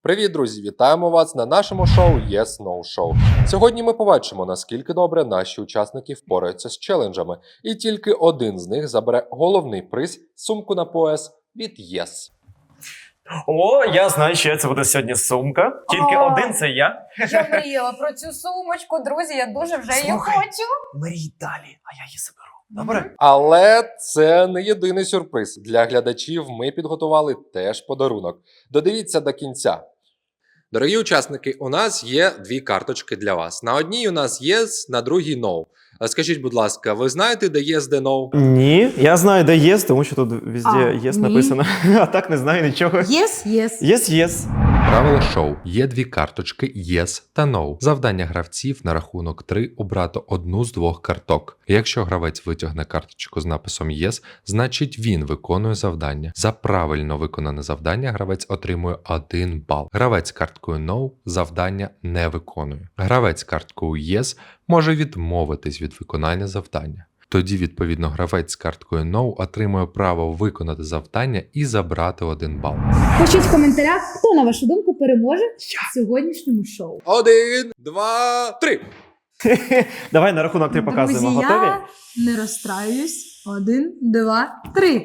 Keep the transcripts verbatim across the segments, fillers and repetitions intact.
Привіт, друзі! Вітаємо вас на нашому шоу Yes No Show. Сьогодні ми побачимо, наскільки добре наші учасники впораються з челенджами, і тільки один з них забере головний приз – сумку на пояс від Yes. О, я знаю, що це буде сьогодні сумка. Тільки О. один це я. Я мріяла про цю сумочку, друзі, я дуже вже її Слухай. хочу. Мрій далі, а я її заберу. Добре? Але це не єдиний сюрприз. Для глядачів ми підготували теж подарунок. Додивіться до кінця. Дорогі учасники, у нас є дві карточки для вас. На одній у нас Yes, на другій No. Скажіть, будь ласка, ви знаєте, де Yes, де No? Ні, я знаю, де єс, тому що тут везде А, єс ні. написано. А так не знаю нічого. Єс, єс. Єс, єс. Правила шоу. Є дві карточки Yes та No. Завдання гравців на рахунок три обрати одну з двох карток. Якщо гравець витягне карточку з написом Yes, значить він виконує завдання. За правильно виконане завдання гравець отримує один бал. Гравець карткою No завдання не виконує. Гравець карткою Yes може відмовитись від виконання завдання. Тоді, відповідно, гравець з карткою No отримує право виконати завдання і забрати один бал. Пишіть в коментарях, хто, на вашу думку, переможе в сьогоднішньому шоу. Один, два, три! Давай на рахунок три показуємо. Друзі, Готові? я не розстраюсь. Один, два, три.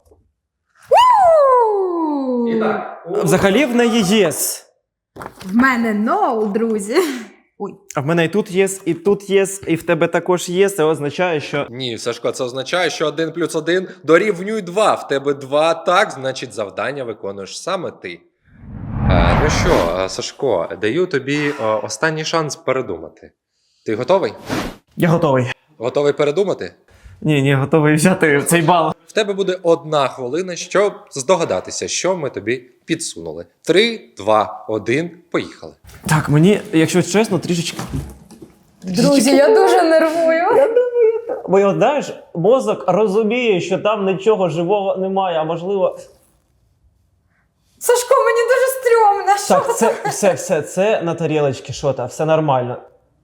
У! Взагалі в неї єс. В мене ноу, друзі. Ой. А в мене і тут єс, і тут єс, і в тебе також єс. Це означає, що... Ні, Сашко, це означає, що один плюс один дорівнює два. В тебе два так, значить завдання виконуєш саме ти. Е, ну що, е, Сашко, даю тобі е, останній шанс передумати. Ти готовий? Я готовий. Готовий передумати? Ні, ні, готовий взяти цей бал. В тебе буде одна хвилина, щоб здогадатися, що ми тобі підсунули. Три, два, один, поїхали. Так, мені, якщо чесно, трішечки... Друзі, я дуже нервую. Бо, от, знаєш, мозок розуміє, що там нічого живого немає, а можливо... Сашко, мені дуже стрьомно. Що Так, це, все, все, це на тарілочці, що там, все нормально.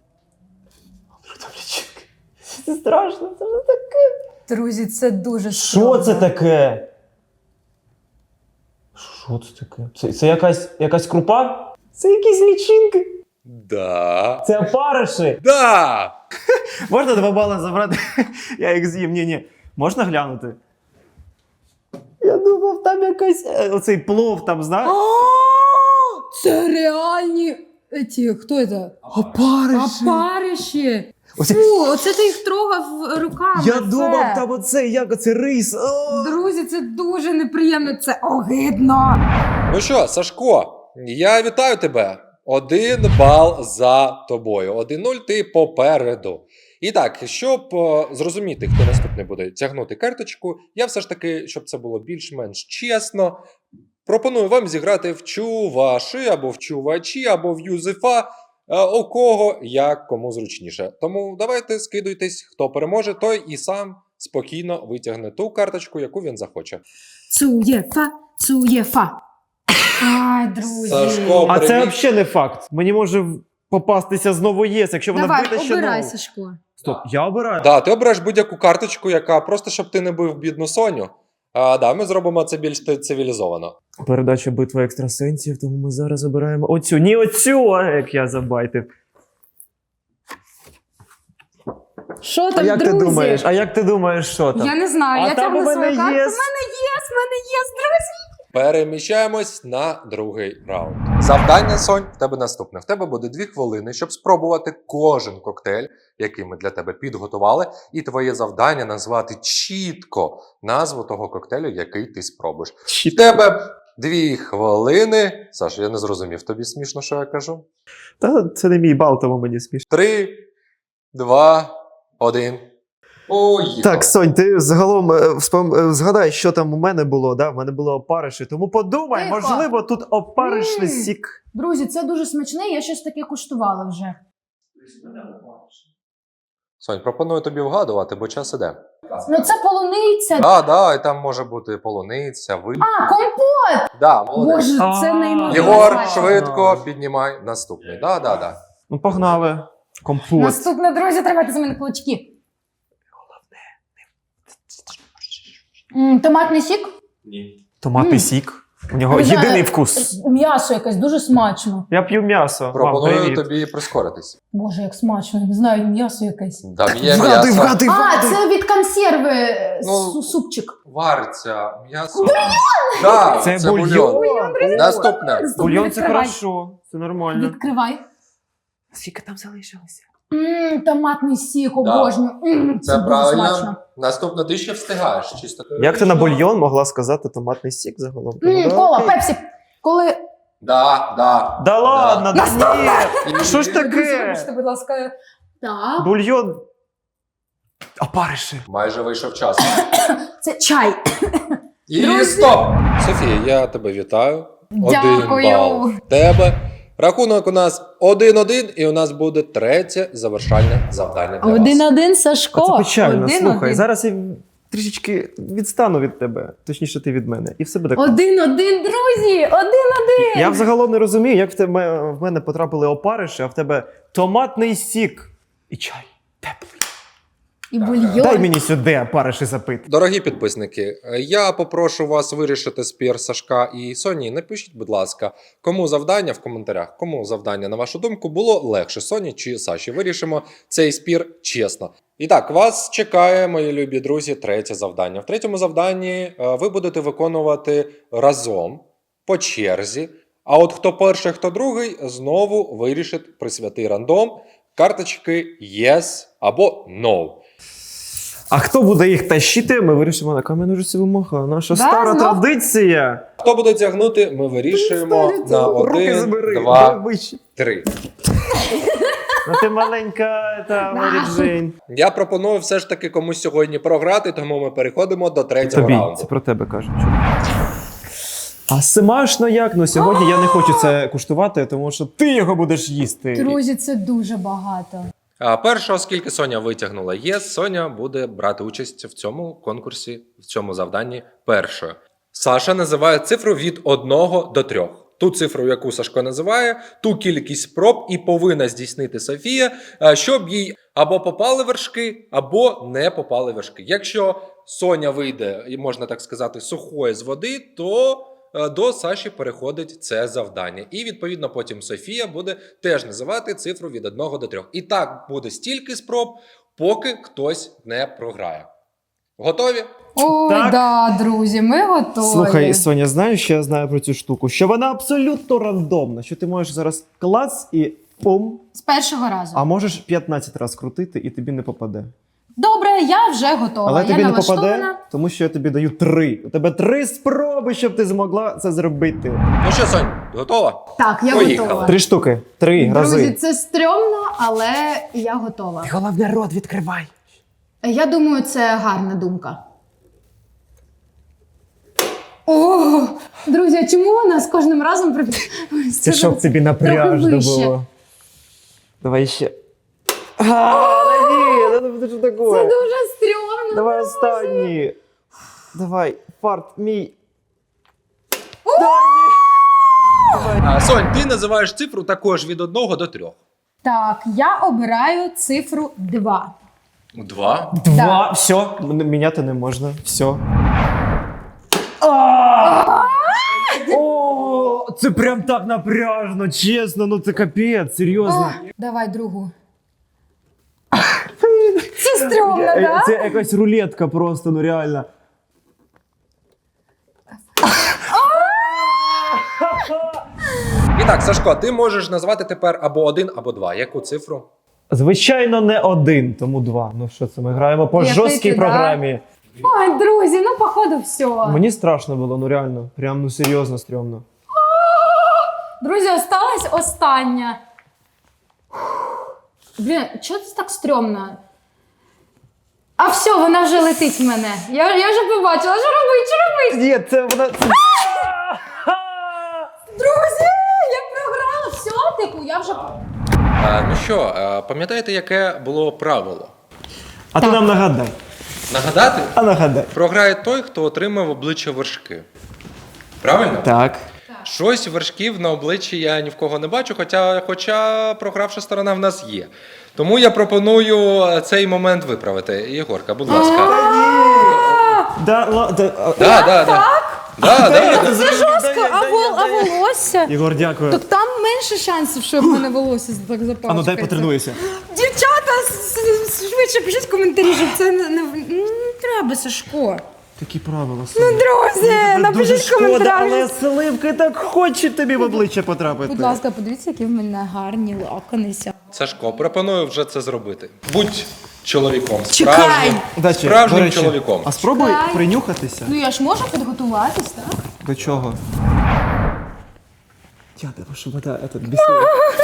Це страшно, це ж таке. Друзі, це дуже Що стрьомно. це таке? Що це таке? Це, це якась, якась крупа? Це якісь лічинки? Да. Це опариші? Да! Можна два бали забрати? Я їх з'їм. Ні-ні. Можна глянути? Я думав, там якась... е, Оцей плов там, знаєш? А, це реальні... Эти, хто це? Опариші. Опариші. Оце- Фу, оце ти їх трогав руками. Я це. думав, там оце, як оце рис. О! Друзі, це дуже неприємно, це огидно. Ну що, Сашко, я вітаю тебе. Один бал за тобою. Один-нуль ти попереду. І так, щоб е, зрозуміти, хто наступний буде тягнути карточку, я все ж таки, щоб це було більш-менш чесно, пропоную вам зіграти в чуваші, або в чувачі, або в юзефа, е, у кого як кому зручніше. Тому давайте скидуйтесь, хто переможе, той і сам спокійно витягне ту карточку, яку він захоче. Цуєфа, цуєфа. Ай, друзі. Сашко, А це привіт. взагалі не факт. Мені може попастися знову єс, якщо вона Давай, вбита ще обирай, нову. Сашко. Стоп, я обираю? Да, ти обереш будь-яку карточку, яка просто щоб ти не бив бідну Соню. А, да, ми зробимо це більш цивілізовано. Передача битва екстрасенсів, тому ми зараз обираємо оцю. Ні, оцю, а як я забайтив. Що А там, як друзі? ти думаєш? А як ти думаєш, що там? Я не знаю, А я там тягну у мене свою карту. є. В мене є, в мене є, друзі. Переміщаємось на другий раунд. Завдання, Сонь, в тебе наступне. В тебе буде дві хвилини, щоб спробувати кожен коктейль, який ми для тебе підготували, і твоє завдання назвати чітко назву того коктейлю, який ти спробуєш. В тебе дві хвилини. Саш, я не зрозумів, тобі смішно, що я кажу? Та це не мій бал, тому мені смішно. Три, два, один. Поїхали. Так, Сонь, ти загалом е, вспом... е, згадай, що там у мене було, да? У мене було опариші, тому подумай, Тихо. можливо, тут опаришний М. сік. Друзі, це дуже смачне, я щось таке куштувала вже. Сонь, пропоную тобі вгадувати, бо час іде. Ну це полуниця. Так, да, і там може бути полуниця, ви. А, компот! Да, молодець. Боже, це А. неймовірно. Єгор, смачно. швидко піднімай наступний. Да, да, да. Ну, погнали. Компот. Наступне, друзі, тримайте за мене кулачки. М, Томатний сік? Томатний М. сік. У нього Не знаю, єдиний вкус. М'ясо якесь дуже смачно. Я п'ю м'ясо. Мам, Пропоную привіт. тобі прискоритись. Боже, як смачно, не знаю, м'ясо якесь. Там є Вгадуй, м'ясо. вгадуй, А, вгадуй. це від консерви е, Ну, су- супчик. Варця, м'ясо. Так, Це це бульйон. бульйон. Наступне. Бульйон це Відкривай. хорошо, це нормально. Відкривай. Скільки там залишилося? Ммм, томатний сік, Да. обожнюю. М, Це дуже правильно. смачно. Наступне ти ще встигаєш. Чисто Як ти на теоретично. бульйон могла сказати томатний сік загалом? М, Ну, Кола, окей. пепсі. Коли... Да, да. Да ладно, да ні! І- Що ж Друзі, таке? вибачте, будь ласка. Так. Бульйон. Опариші. Майже вийшов час. Це чай. І Друзі. стоп! Софія, я тебе вітаю. Дякую. Один бал в тебе. Рахунок у нас один-один, і у нас буде третє завершальне завдання для вас. Один-один, Сашко. А це печально. Один-один. Слухай, зараз я трішечки відстану від тебе. Точніше, ти від мене. І все буде. Один-один, друзі! Один-один! Я взагалом не розумію, як в тебе в мене потрапили опариші, а в тебе томатний сік і чай. Теплий. І бульйон. Дай мені сюди опариші запити. Дорогі підписники, я попрошу вас вирішити спір Сашка і Соні. Напишіть, будь ласка, кому завдання в коментарях, кому завдання, на вашу думку, було легше, Соні чи Саші. Вирішимо цей спір чесно. І так, вас чекає, мої любі друзі, третє завдання. В третьому завданні е, ви будете виконувати разом, по черзі. А от хто перший, хто другий, знову вирішить при святий рандом карточки Yes або No. А хто буде їх тащити, ми вирішимо на кам'яну ножиці вимога. Наша Да, стара знов? традиція. Хто буде тягнути, ми вирішуємо на Руки один, забери, два, давай вище. три. Ну ти маленька, та Марі Джейн. Я пропоную все ж таки комусь сьогодні програти, тому ми переходимо до третього Тобі, раунду. це про тебе кажуть. А смачно як? Ну сьогодні я не хочу це куштувати, тому що ти його будеш їсти. Друзі, це дуже багато. А перше, оскільки Соня витягнула ЄС, Соня буде брати участь в цьому конкурсі, в цьому завданні першою. Саша називає цифру від одного до трьох. Ту цифру, яку Сашко називає, ту кількість спроб і повинна здійснити Софія, е, щоб їй або попали вершки, або не попали вершки. Якщо Соня вийде, і можна так сказати, сухою з води, то е, до Саші переходить це завдання. І, відповідно, потім Софія буде теж називати цифру від одного до трьох. І так буде стільки спроб, поки хтось не програє. Готові? Ой, Так. да, друзі, ми готові. Слухай, Соня, знаєш, що я знаю про цю штуку? Що вона абсолютно рандомна. Що ти можеш зараз клац і пум, З першого разу. а можеш п'ятнадцять разів крутити і тобі не попаде. Добре, я вже готова. Але я тобі не налаштована. попаде, тому що я тобі даю три. У тебе три спроби, щоб ти змогла це зробити. Ну що, Сонь, готова? Так, я Поїхали. готова. Три штуки, три Друзі, рази. це стрьомно, але я готова. Головне, рот відкривай. Я думаю, це гарна думка. О, друзі, а чому вона з кожним разом при... Це щоб тобі напряжно вище. було. Давай ще. А, да ні, ну це що таке? Це дуже стрьомно. Давай останній. Давай, фарт мій. А, Сонь, ти називаєш цифру також від одного до трьох. Так, я обираю цифру два. Два. Два, все, м- міняти не можна. Все. О, це прям так напряжно, чесно, ну це капець, серйозно. Давай другу. Це стрьомно, Е, так? Це якась рулетка просто, ну реально. І так, Сашко, ти можеш назвати тепер або один, або два. Яку цифру? Звичайно, не один, тому два. Ну що це, ми граємо по Який жорсткій ти, да? програмі. Ой, друзі, ну походу все. Мені страшно було, ну реально. Прям ну серйозно стрьомно. Друзі, осталась остання. Блін, чого це так стрьомно? А все, вона вже летить в мене. Я, я вже побачила, що робить, що робить? Ні, це вона. Це... Друзі, я програла, все, типу, я вже... А, ну що, а, пам'ятаєте, яке було правило? А ти Так. нам нагадай. Нагадати? А нагадай. Програє той, хто отримав обличчя вершки. Правильно? Так. Щось вершків на обличчі я ні в кого не бачу, хоча, хоча програвша сторона в нас є. Тому я пропоную цей момент виправити. Єгорка, будь ласка. Да, ла- да, а- Да, да, да. Да, да. Це жорстко, а, вол, а волосся? Ігор, дякую. Так там менше шансів, що в мене волосся так запачкається. А ну дай потренуюся. Дівчата, с- с- швидше пишіть коментарі, щоб це не, не, не треба, Сашко. Такі правила. Ну, друзі, Дуже напишіть в шкода, коментарях. але Сливки так хоче тобі в обличчя потрапити. Будь ласка, подивіться, які в мене гарні локони. Сашко, пропоную вже це зробити. Будь чоловіком. Чекай! Справжнім, Удачі, справжнім до речі. чоловіком. А спробуй Чекай. принюхатися. Ну я ж можу підготуватись, так? До чого? Я тебе, щоб вода этот бісила.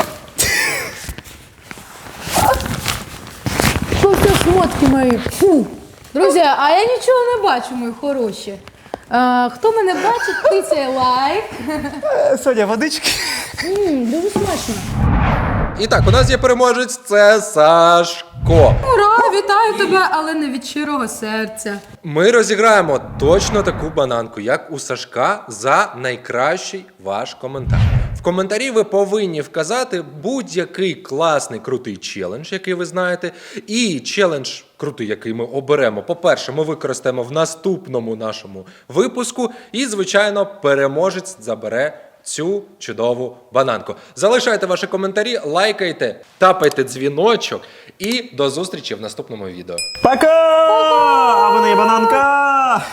Що це шмотки мої? Фу. Друзі, а я нічого не бачу, мої хороші. А, хто мене бачить, тицяє лайк. Соня, водички. Ммм, дуже смачно. І так, у нас є переможець, це Сашко. Ура, вітаю тебе, але не від щирого серця. Ми розіграємо точно таку бананку, як у Сашка, за найкращий ваш коментар. В коментарі ви повинні вказати будь-який класний крутий челендж, який ви знаєте. І челендж крутий, який ми оберемо. По-перше, ми використаємо в наступному нашому випуску. І, звичайно, переможець забере цю чудову бананку. Залишайте ваші коментарі, лайкайте, тапайте дзвіночок і до зустрічі в наступному відео. Пока! А в мене є бананка!